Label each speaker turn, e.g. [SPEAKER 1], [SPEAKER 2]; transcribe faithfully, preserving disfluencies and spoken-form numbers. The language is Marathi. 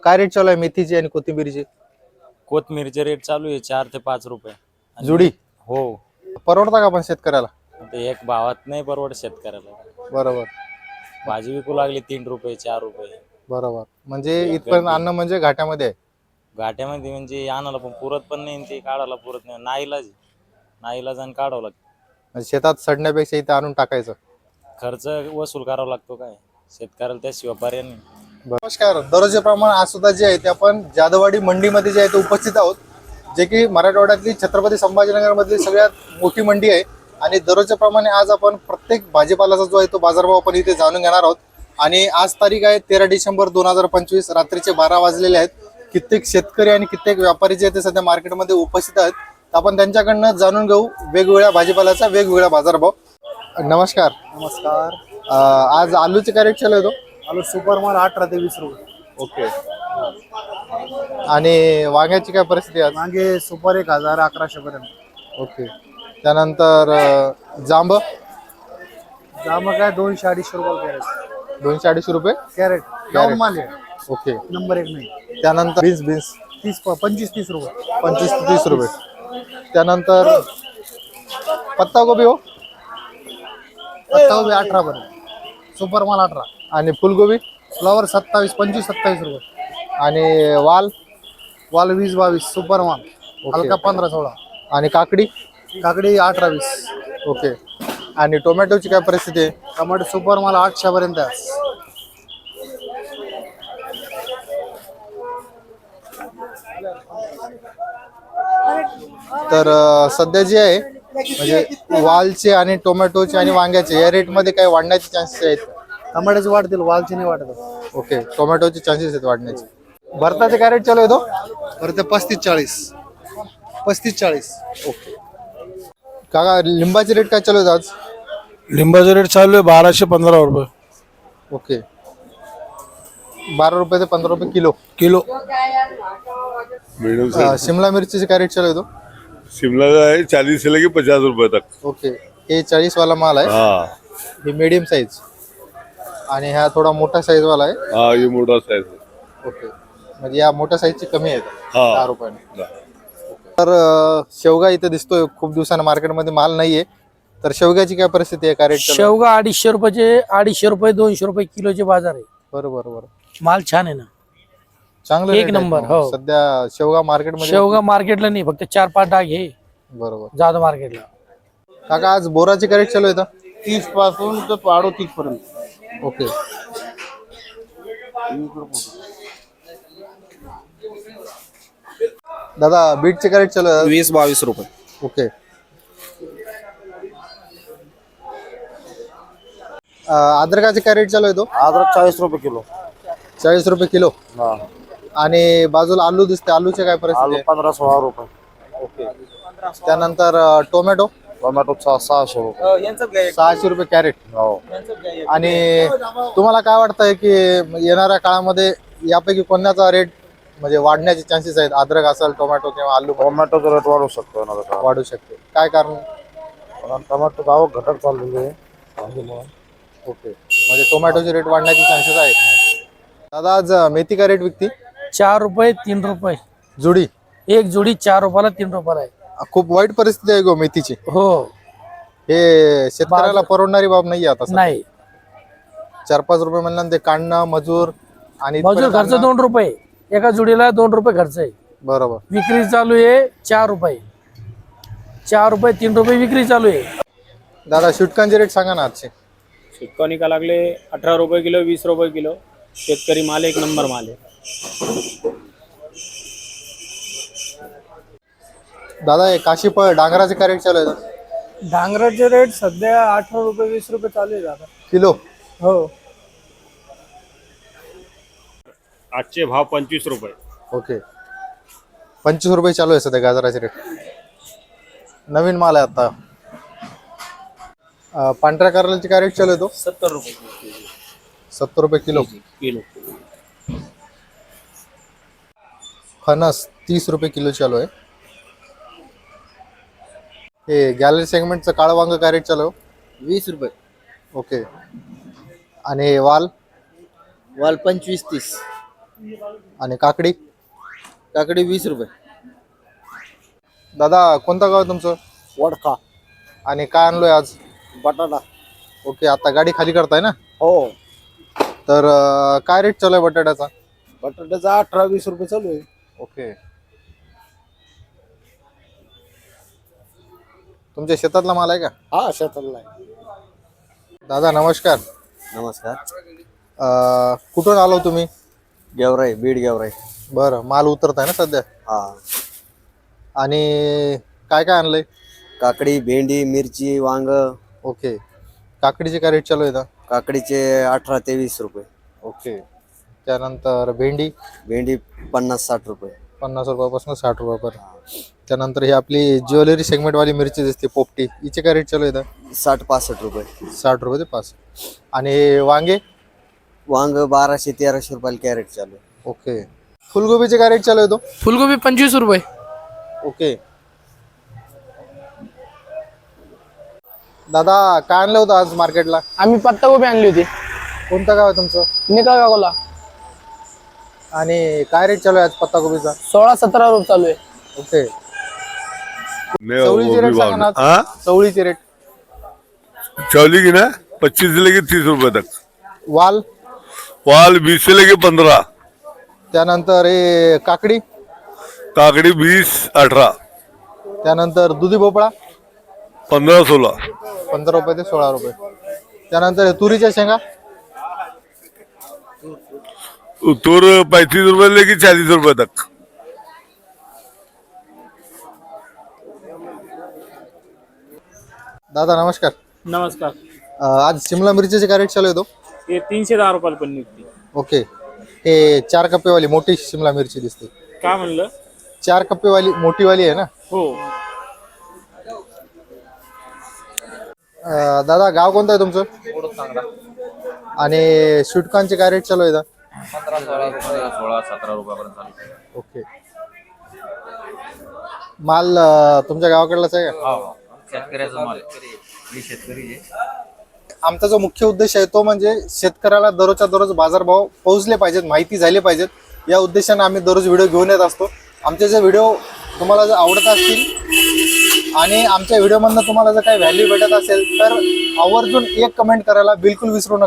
[SPEAKER 1] काय रेट चालू आहे मेथीची आणि कोथिंबीरची?
[SPEAKER 2] कोथमीरचे रेट चालू आहे चार ते पाच रुपये आणि-
[SPEAKER 1] जुडी
[SPEAKER 2] हो.
[SPEAKER 1] परवडता का पण शेतकऱ्याला?
[SPEAKER 2] ते एक भावात नाही परवड शेतकऱ्याला.
[SPEAKER 1] बरोबर
[SPEAKER 2] भाजी विकू लागली तीन रुपये चार रुपये.
[SPEAKER 1] बरोबर, म्हणजे इथपर्यंत अन्न म्हणजे घाट्यामध्ये आहे.
[SPEAKER 2] घाट्यामध्ये म्हणजे आणायला पण पुरत पण नाही आणि ते काढायला पुरत नाही. नाईलाज नाईलाज आणि काढावं लागतं.
[SPEAKER 1] म्हणजे शेतात सडण्यापेक्षा इथे आणून टाकायचं.
[SPEAKER 2] खर्च वसूल करावा लागतो काय शेतकऱ्याला, त्याशिवाय पर्याय नाही.
[SPEAKER 1] नमस्कार, दररोजच्या प्रमाणे आज सुद्धा जे आहे ते आपण जाधववाडी मंडीमध्ये जे आहे ते उपस्थित आहोत, जे की मराठवाड्यातली छत्रपती संभाजीनगर मधली सगळ्यात मोठी मंडी आहे. आणि दररोजच्या प्रमाणे आज आपण प्रत्येक भाजीपालाचा जो आहे तो बाजारभाव आपण इथे जाणून घेणार आहोत. आणि आज तारीख आहे तेरा डिसेंबर दोन हजार पंचवीस, रात्रीचे बारा वाजलेले आहेत. कित्येक शेतकरी आणि कित्येक व्यापारी जे ते सध्या मार्केटमध्ये उपस्थित आहेत. आपण त्यांच्याकडनं जाणून घेऊ वेगवेगळ्या भाजीपाल्याचा वेगवेगळा बाजारभाव. नमस्कार.
[SPEAKER 3] नमस्कार.
[SPEAKER 1] आज आलूचे काय रेट चालू आहे तो?
[SPEAKER 3] आलू सुपर माल अठरा ते वीस रुपये.
[SPEAKER 1] ओके. आणि वांग्याची काय परिस्थिती आहे?
[SPEAKER 3] मागे सुपर एक हजार अकराशे पर्यंत.
[SPEAKER 1] ओके. त्यानंतर जांब
[SPEAKER 3] जांब काय दोनशे अडीचशे रुपये कॅरेट.
[SPEAKER 1] दोनशे अडीचशे रुपये
[SPEAKER 3] कॅरेट गाऊन माल आहे.
[SPEAKER 1] ओके.
[SPEAKER 3] नंबर एक नाही.
[SPEAKER 1] त्यानंतर बीन्स बीन्स
[SPEAKER 3] तीस पंचवीस तीस रुपये.
[SPEAKER 1] पंचवीस ते तीस रुपये. त्यानंतर पत्तागोबी हो
[SPEAKER 3] पत्तागोबी अठरा पर्यंत. सुपर माल अठरा.
[SPEAKER 1] आणि फुलगोबी
[SPEAKER 3] फ्लॉवर सत्तावीस पंचवीस सत्तावीस रुपये.
[SPEAKER 1] आणि वाल
[SPEAKER 3] वाल वीस बावीस. सुपर माल हलका पंधरा सोळा.
[SPEAKER 1] आणि काकडी
[SPEAKER 3] काकडी अठरा वीस.
[SPEAKER 1] ओके. आणि टोमॅटोची काय परिस्थिती आहे?
[SPEAKER 3] टमाटे सुपर माल आठशे पर्यंत आहे.
[SPEAKER 1] तर अं, सध्या जे आहे म्हणजे वालचे आणि टोमॅटोचे आणि वांग्याचे या रेट मध्ये काय वाढण्याचे चान्सेस आहेत?
[SPEAKER 3] टमाट्याचे वाढतील, वालचे नाही वाढत.
[SPEAKER 1] ओके. टोमॅटोचे चान्सेस आहेत वाढण्याचे. भरताचे काय रेट चालू आहे तो?
[SPEAKER 3] बरं ते पस्तीस चाळीस. पस्तीस चाळीस.
[SPEAKER 1] ओके. काका लिंबाचे रेट काय चालू आहेत आज?
[SPEAKER 4] लिंबाचा रेट चालू आहे बाराशे पंधरा रुपये
[SPEAKER 1] ओके. बारा रुपये ते पंधरा रुपये किलो.
[SPEAKER 4] किलो.
[SPEAKER 5] मीडियम
[SPEAKER 1] अं,
[SPEAKER 5] साइज
[SPEAKER 1] शिमला मिरचीचे काय रेट चालू आहे तो?
[SPEAKER 5] शिमला का है चालीस से लेके पचास रुपए तक.
[SPEAKER 1] ओके. हे चाळीस वाला माल आहे.
[SPEAKER 5] हाँ
[SPEAKER 1] हे मीडियम साईज आणि हा थोडा मोठा साईज वाला आहे.
[SPEAKER 5] हाँ ये मोटा साइज है.
[SPEAKER 1] ओके. म्हणजे या मोठ्या साईजची कमी आहे
[SPEAKER 5] हा.
[SPEAKER 1] दहा रुपयाने. तर अं, शेवगा इथे दिसतोय खूप दिवसांना मार्केटमध्ये माल नाहीये. तर शेवग्याची काय परिस्थिती आहे? काय रेट?
[SPEAKER 6] शेवगा अडीचशे रुपयाचे अडीचशे रुपये दोनशे रुपये किलोचे बाजार आहे.
[SPEAKER 1] बरोबर बरोबर.
[SPEAKER 6] माल छान आहे ना.
[SPEAKER 1] चांगलं
[SPEAKER 6] एक
[SPEAKER 1] rate आहेत
[SPEAKER 6] नंबर,
[SPEAKER 1] मग.
[SPEAKER 6] हो.
[SPEAKER 1] सध्या शेवगा मार्केटमध्ये
[SPEAKER 6] शेवगा मार्केटला नाही, फक्त चार पाच डाग हे
[SPEAKER 1] बरोबर.
[SPEAKER 6] जाधव मार्केटला.
[SPEAKER 1] काका आज बोराची काय रेट चालू आहे?
[SPEAKER 3] तीस पासून तर अडोतीस पर्यंत.
[SPEAKER 1] ओके. दादा बीटचे काय रेट चालू आहे?
[SPEAKER 7] वीस बावीस रुपये.
[SPEAKER 1] ओके. अं, अद्रकाचे काय रेट चालू आहे तो?
[SPEAKER 3] अद्रक चाळीस रुपये किलो.
[SPEAKER 1] चाळीस रुपये किलो. आणि बाजूला आलू दिसते, आलूचे काय परिस्थिती
[SPEAKER 3] आलू
[SPEAKER 1] आहे?
[SPEAKER 3] पंधरा सोळा रुपये.
[SPEAKER 1] ओके. त्यानंतर अं, टोमॅटो
[SPEAKER 3] टोमॅटो सहाशे रुपये.
[SPEAKER 1] सहाशे रुपये कॅरेट.
[SPEAKER 3] हो.
[SPEAKER 1] आणि तुम्हाला काय वाटतंय की येणाऱ्या काळामध्ये यापैकी कोणाचा रेट म्हणजे वाढण्याचे चान्सेस आहेत? अद्रक असेल, टोमॅटो किंवा आलू
[SPEAKER 3] टोमॅटोचा रेट वाढू शकतो ना आता.
[SPEAKER 1] वाढू शकते. काय कारण?
[SPEAKER 3] कारण टोमॅटो आवक घटक चाललेली आहे.
[SPEAKER 1] ओके. म्हणजे टोमॅटोचे रेट वाढण्याचे चान्सेस आहेत. दादा आज मेथी काय रेट विकती?
[SPEAKER 6] चार रुपये तीन रुपये
[SPEAKER 1] जुडी.
[SPEAKER 6] एक जोडी चार रुपयाला तीन रुपयाला आहे.
[SPEAKER 1] खूप वाईट परिस्थिती आहे गो मेथीची.
[SPEAKER 6] हो.
[SPEAKER 1] हे शेतकऱ्याला परवडणारी बाब नाहीये आता.
[SPEAKER 6] नाही.
[SPEAKER 1] चार पाच रुपये म्हणलं ते काढणं मजूर आणि
[SPEAKER 6] मजूर
[SPEAKER 1] इथपर्यंत
[SPEAKER 6] खर्च
[SPEAKER 1] आणणं.
[SPEAKER 6] दोन रुपये एका जोडीला दोन रुपये खर्च आहे.
[SPEAKER 1] बरोबर.
[SPEAKER 6] विक्री चालू आहे चार रुपये. चार रुपये तीन रुपये विक्री चालू आहे.
[SPEAKER 1] दादा शुटकांचे रेट सांगा ना आजचे.
[SPEAKER 8] शेतकरी का लागले अठरा रुपये किलो वीस रुपये किलो. शेतकरी माल एक नंबर माल आहे.
[SPEAKER 1] दादा हे काशीफळ डांगराचे काय रेट चालू आहे?
[SPEAKER 3] डांगराचे रेट सध्या अठरा रुपये वीस रुपये चालू आहे दादा.
[SPEAKER 1] किलो.
[SPEAKER 3] हो.
[SPEAKER 8] आजचे भाव पंचवीस रुपये.
[SPEAKER 1] ओके. पंचवीस रुपये चालू आहे सध्या गाजराचे रेट. नवीन माल आहे आता. अं, पांढऱ्या कारल्याची काय रेट चालू आहे तो?
[SPEAKER 8] सत्तर रुपये
[SPEAKER 1] सत्तर रुपये किलो.
[SPEAKER 8] किलो.
[SPEAKER 1] फणस तीस रुपये किलो चालू आहे. हे गॅलरी सेगमेंटचं काळं वांग काय रेट चालू आहे?
[SPEAKER 7] वीस रुपये.
[SPEAKER 1] ओके. आणि वाल?
[SPEAKER 7] वाल पंचवीस तीस.
[SPEAKER 1] आणि काकडी
[SPEAKER 3] काकडी वीस रुपये.
[SPEAKER 1] दादा कोणतं गाव आहे तुमचं?
[SPEAKER 3] वडका.
[SPEAKER 1] आणि काय आणलोय आज?
[SPEAKER 3] बटाटा.
[SPEAKER 1] ओके, आता गाडी खाली करताय ना?
[SPEAKER 3] हो.
[SPEAKER 1] तर अं, काय रेट चालू आहे बटाट्याचा?
[SPEAKER 3] बटाट्याचा अठरा वीस रुपये चालू आहे.
[SPEAKER 1] ओके. तुमच्या शेतातला माल आहे का?
[SPEAKER 3] हा शेतातला आहे.
[SPEAKER 1] दादा नमस्कार.
[SPEAKER 3] नमस्कार.
[SPEAKER 1] अं, कुठून आलो तुम्ही?
[SPEAKER 3] गेवराई, बीड गेवराई.
[SPEAKER 1] बरं, माल उतरत आहे ना सध्या?
[SPEAKER 3] हा.
[SPEAKER 1] आणि काय काय आणलंय?
[SPEAKER 3] काकडी, भेंडी, मिरची, वांग.
[SPEAKER 1] ओके. काकडीचे काय रेट चालू आहे?
[SPEAKER 3] काकडीचे अठरा ते वीस रुपये.
[SPEAKER 1] ओके. त्यानंतर भेंडी
[SPEAKER 3] भेंडी पन्नास साठ रुपये.
[SPEAKER 1] पन्नास रुपयापासून साठ रुपयापर्यंत. त्यानंतर ही आपली ज्वेलरी सेगमेंटवाली मिरची दिसते पोपटी, हिचे काय रेट चालू आहे?
[SPEAKER 3] साठ पासष्ट रुपये.
[SPEAKER 1] साठ रुपये ते पाच. आणि वांगे?
[SPEAKER 3] वांग बाराशे तेराशे रुपयाला कॅरेट चालू आहे.
[SPEAKER 1] ओके. फुलगोबीचे काय रेट चालू आहे? तो
[SPEAKER 6] फुलगोबी पंचवीस रुपये.
[SPEAKER 1] ओके. दादा काय आणलं होतं आज मार्केटला?
[SPEAKER 6] आम्ही पत्तागोबी आणली होती.
[SPEAKER 1] कोणतं गाव आहे तुमचं?
[SPEAKER 6] निकाल गावला.
[SPEAKER 1] आणि काय रेट चालू आहे आज पत्तागोबीचा?
[SPEAKER 6] सोळा सतरा रुपये चालू आहे.
[SPEAKER 1] ओके.
[SPEAKER 5] नहीं, वो
[SPEAKER 1] चवळीचे
[SPEAKER 5] भी
[SPEAKER 1] रेट
[SPEAKER 5] भाव
[SPEAKER 1] सांगा ना.
[SPEAKER 5] नहीं। हाँ?
[SPEAKER 1] चवळीचे रेट?
[SPEAKER 5] चौली की ना पच्चीस से लेके तीस रुपए तक।
[SPEAKER 1] वाल?
[SPEAKER 5] वाल बीस से लेके पंद्रह।
[SPEAKER 1] त्यानंतर हे काकडी?
[SPEAKER 5] काकड़ी बीस अठारह।
[SPEAKER 1] त्यानंतर दुधी भोपळा?
[SPEAKER 5] पंद्रह सोलह।
[SPEAKER 1] पंधरा रुपये ते सोळा रुपये. त्यानंतर हे तुरीच्या शेंगा?
[SPEAKER 5] तूर पैंतीस रुपए लेके चालीस रुपए तक।
[SPEAKER 1] दादा नमस्कार.
[SPEAKER 8] नमस्कार.
[SPEAKER 1] अं, आज शिमला मिरचीचे काय रेट चालू आहे? तो
[SPEAKER 8] हे तीनशे दहा रुपयाला पण निघते.
[SPEAKER 1] ओके. हे चार कप्पेवाली मोठी शिमला मिरची दिसते.
[SPEAKER 8] काय म्हणलं?
[SPEAKER 1] चार कप्पेवाली मोठीवाली आहे ना?
[SPEAKER 8] हो.
[SPEAKER 1] अं, दादा गाव कोणतं आहे तुमचं? आणि स्वीटकॉर्नचे काय रेट चालू आहे?
[SPEAKER 2] सोळा सतरा रुपयापर्यंत चालू.
[SPEAKER 1] ओके. माल अं, तुमच्या गावाकडलाच आहे का?
[SPEAKER 2] शेतकऱ्याचा माल. मी शेतकरी आहे.
[SPEAKER 1] आमचा जो मुख्य उद्देश आहे तो म्हणजे शेतकऱ्याला दररोजच्या दररोज बाजारभाव पोहोचले पाहिजेत, माहिती झाली पाहिजेत, या उद्देशाने आम्ही दररोज व्हिडिओ घेऊन येत असतो. आमचे जे व्हिडिओ तुम्हाला जर आवडत असतील आणि आमच्या व्हिडिओमधनं तुम्हाला जर काही व्हॅल्यू भेटत असेल तर आवर्जून एक कमेंट करायला बिलकुल विसरू नका.